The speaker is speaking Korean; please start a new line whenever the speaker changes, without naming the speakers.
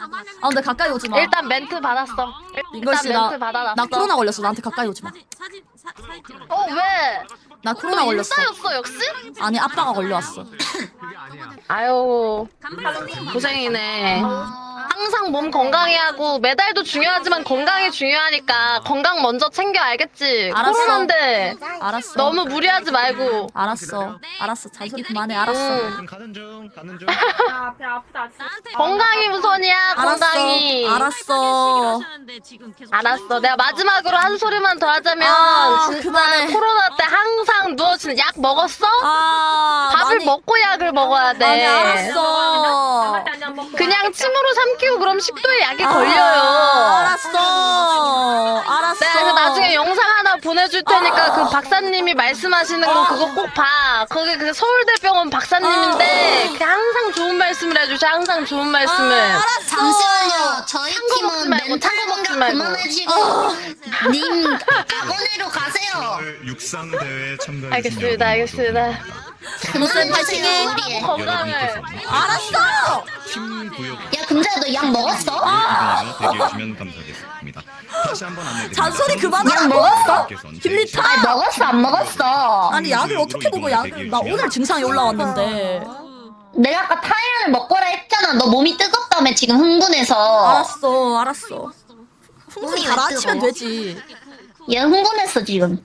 아 근데 가까이 오지 마.
일단 멘트 받았어.
이것이
일단 멘트 받아놨어.
나 코로나 걸렸어. 나한테 가까이 오지 마.
왜?
나 코로나
너
걸렸어.
인싸였어 역시?
아니 아빠가 걸려왔어.
아유 고생이네. 항상 몸 건강히 하고 메달도 중요하지만 건강이 중요하니까 건강 먼저 챙겨 알겠지?
알았어.
코로나인데
알았어.
너무 무리하지 말고.
알았어. 알았어. 잔소리 그만해. 알았어.
가는 중.
야, 배 아프다.
건강이 우선이야. 건강이.
알았어.
알았어. 내가 마지막으로 한 소리만 더 하자면
아,
진짜
그만해.
코로나 때 항상 누워지는 약 먹었어?
아
밥을
많이-
먹고 약을 먹어야 돼.
아니 알았어.
그냥 침으로 삼키고 그럼 식도에 약이
아,
걸려요.
알았어. 알았어.
내가 그 나중에 영상 하나 보내줄 테니까 그 박사님이 말씀하시는 거 그거 꼭 봐. 거기 그 서울대병원 박사님인데 그 항상 좋은 말씀을 해주셔. 항상 좋은 말씀을.
알았어.
잠시만요. 저희
먹지
팀은
말고,
멘탈
먹지
공격
말고.
그만하시고 님 학원으로 가세요.
육상 대회에 참가해
알겠습니다. 알겠습니다.
쌤 파이팅해.
우리.
건강을.
알았어.
팀 구역
야 금자야 너 약 먹었어?
이동하여 대기해 주시면 감사하겠습니다. 다시 한번 안내드립니다.
잔소리
약
그만하라고.
먹었어?
힐리타.
아 먹었어 안 먹었어?
아니 약을 어떻게 먹어? 약을 나 오늘 증상이 올라왔는데.
내가 아까 타이레놀 먹거라 했잖아. 너 몸이 뜨겁다며 지금 흥분해서.
알았어. 알았어.
몸이 왜
가라앉히면
뜨거워?
되지.
얘 흥분했어 지금.